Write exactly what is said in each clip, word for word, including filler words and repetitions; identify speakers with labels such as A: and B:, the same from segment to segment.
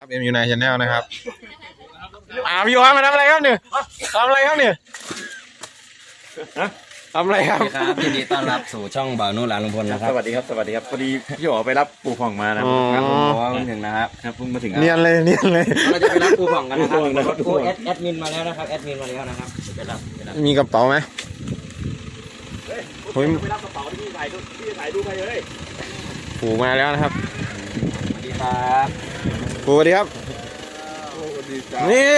A: เอ็มยูไนชาแนลนะครับอ่าพี่วานมาทำอะไรครับเนี่ยทำอะไรครับเนี่ยทำอะไรครับ
B: ครับยินดีต้อนรับสู่ช่องบ่าวนุ่นหลานลุงพลนะครับ
C: สวัสดีครับสวัสดีครับพอดีพี่อ๋อไปรับปูผ่องมานะ
A: อ๋อ
B: ครับผมบอกว่าเพิ่งถึงนะครับ
C: ครับเพิ่งมาถึง
A: เนียนเลยเนียนเลย
B: เราจะไปรับปูผ่องกันนะครับ
C: ปูผ่องนะครับ
B: ปูแอดแอดมินมาแล้วนะครับแอดมินมาแล้วนะครับไปรับไปรับ
A: มีกระเป๋าไหมเฮ้ย
C: ไปรับกระเป๋าที่พี่ถ่ายดูพี่ถ่ายดูไปเลย
A: ปู่มาแล้วนะครับ
B: สวัสดีครับ
A: ปู่สวัสดีครับนี่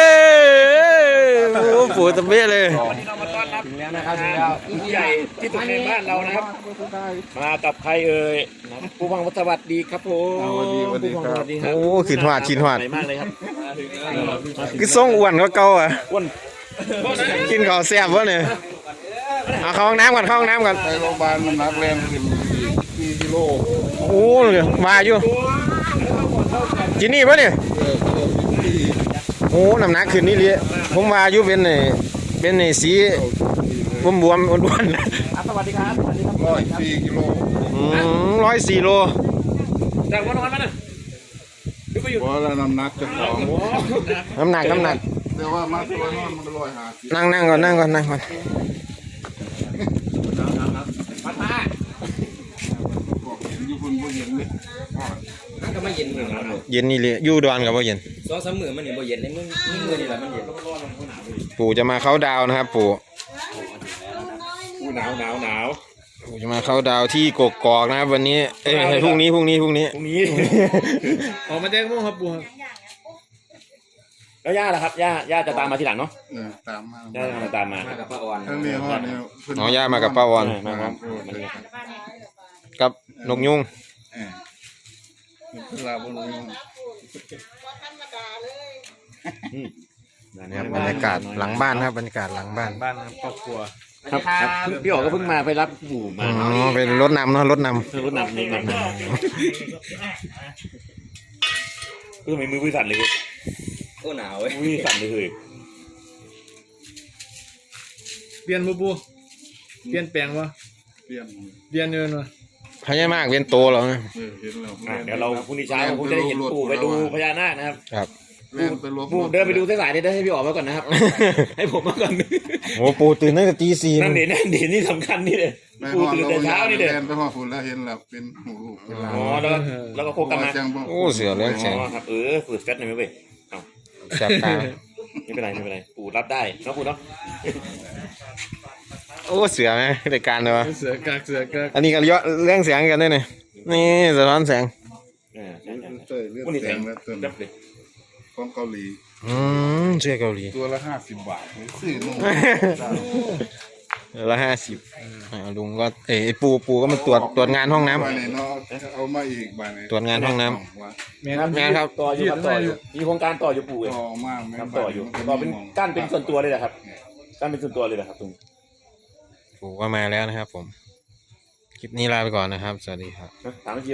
A: โอ้ปู่ตะเบ้เลย
C: วันนี้เรามาต้อนรับ
B: ถึงแล้วนะครับถึงแล้ว
C: ผู้ใหญ่ที่สุดในบ้านเรานะครับมากับใครเอ่ยปูผ่องสวัสดีครับผมปูผ่องสวัสดีครับ
A: โอ้ขินหวาดขินหวาด
C: ใหญ่มากเลยครับ
A: คือส่งอ้วนก็เก่าอ่ะ
C: อ้วน
A: กินข้าวแซ่บวะเนี่ยเอาเข้าห้องน้ำก่อนเข้าห้องน้ำก่อน
D: ไปโรงพยาบาลมันนักเรียนขึ้นสี่กิโล
A: โอ้เลยมาอยู่กินนี่ปะเนี่ยโอ้น้ำหนักขึ้นนี่เลยผมมาอยู่เป็นไอ้เป็นไอ้สีบวมบวมๆอ้วนๆ
C: สวัสดีครับสวัสดีครับ
D: ร้อยสี่กิโล
A: ร้อยสี่โล
C: แต่วันนอนมาน่ะดูไปอยู่
D: เพราะแล้วน้ำหนักจะของ
A: น้ำหนักน้ำหนัก
D: แต่ว่ามาตัวนอนมันร้อยห้าสิบ
A: นั่งนั่งก่อนนั่งก่อนนั่งก่อน
C: มาตา
D: บอกเห็นอยู่คนบ่เห็นเลย
B: นั่นก็ไม่เย็นเหมือนกัน
A: เย็นนี่เลยอยู่ดอนกับว่าเย็น
B: สองสามมื้อมันเนี่ยบ่เย็นในมือมือมือนี่แหละมันเย็น
A: ปู่จะมาเข้าดาวนะครับ ปู่
C: อู้หนาวหนาวหนาว
A: ปู่จะมาเข้าดาวที่กกอกนะครับวันนี้เอ้ยพรุ่งนี้พรุ่งนี้พรุ่งนี้
C: พรุ่งนี้
E: ออกมาแจ้งพวกครับปูครับ
C: แล้วย่าล่ะครับย่าย่าจะตามมาทีหลังเนาะ
D: เออตามมา
C: ย่าจะตามมา
B: มากับป้าออน
D: ทั้งนี้ฮอดเนี่ยเพิ่น
A: น้องย่ามากับป้าวอน
C: มาครับ
A: กับนกยุง
D: เออเวลาบ่รู้ยัง
A: นะครับบรรยากาศหลังบ้านครับบรรยากาศหลังบ้าน
E: บ้านครับครอบครัว
C: ครับครับพี่อ๋อก็เพิ่งมาไปรับปู่มา
A: อ๋อเป็นรถนำเนาะรถน
C: รถนำรถนำเออไม่มือมือสั่นเลย
B: โอ้หนาวเว้ย
C: มือสั่นเลย
E: เปลี่ยนปูปูเปลี่ยนแปลงวะ
D: เปลี่ยน
E: เปลี่ยนเงินวะ
A: ำพญามากเป็นโตแล้วนะ
D: เออเห็นแล้ว
C: เดี๋ยวเราพรุ่งนี้เช้าคงจะได้เห็นปู่ไปดูพญานาคนะครับ
A: ครับ
D: เล่นไปรวม
C: ปู่เดินไปดูสายๆนี่ได้ให้พี่อ๋อมาก่อนนะครับ ให้ผมมาก่อน
A: โอ้ปู่ตื่นตั้งแต่ตีสี่
C: นั่นเด่นนั่นเด่นนี่สำคัญนี่เลย
D: ไปฮ
C: ปู่
D: อด
C: ตื่น
D: เรา
C: แต่เช้านี่เด้อ
D: เล่นไปฮอดฝุ่นแล้วเห็นแล้วเป็นหูลูกเป็นหลาน
C: อ๋อแล้วแล้วก็โคกันมา
D: จังบ่
A: โอ้เสือเลี้ยงแสง
C: อ๋อครับเออฝืดเฟสหน่อยไหมเว้ยเอา
A: แสบตา
C: ไม่เป็นไรไม่เป็นไรปู่รับได้เนาะปู่เนาะ
A: โอ้เสือไหมรายการเลยวะ
E: เสือกากเสือกาก
A: อันนี้ก็เยอะเรื่องแสงกันด้วยเนี่ยนี่สะท้อนแสง
C: เออใช่ใช่
D: เต้ยเลือด
C: พวกนี้
D: แด
C: แสง
D: งแล้วต้น
C: จับเลย
D: ของเกาหลี
A: อืมเสื้อเกาหลี
D: ตัวละห้าสิบบาทซื้อนุ่ม
A: ละห้าสิบลุงก็เอ้ยปูปูก็มาตรวจตรวจงานห้องน้ำ
D: ไปนี่เนาะเอามาอีกบาทนี่
A: ตรวจงานห้องน้ำ
E: แม่ครับ
A: งานครับ
C: ต่ออยู่ครับต่ออยู่มีโครงการต่ออยู่ปู่เอง
D: ต่อมากแม่
C: ครับต่ออยู่ต่อเป็นกั้นเป็นส่วนตัวเลยนะครับกั้นเป็นส่วนตัวเลยนะครับตรง
A: ปูก็มาแล้วนะครับผม คลิปนี้ลาไปก่อนนะครับ สวัสดีครับ
C: ถามจริง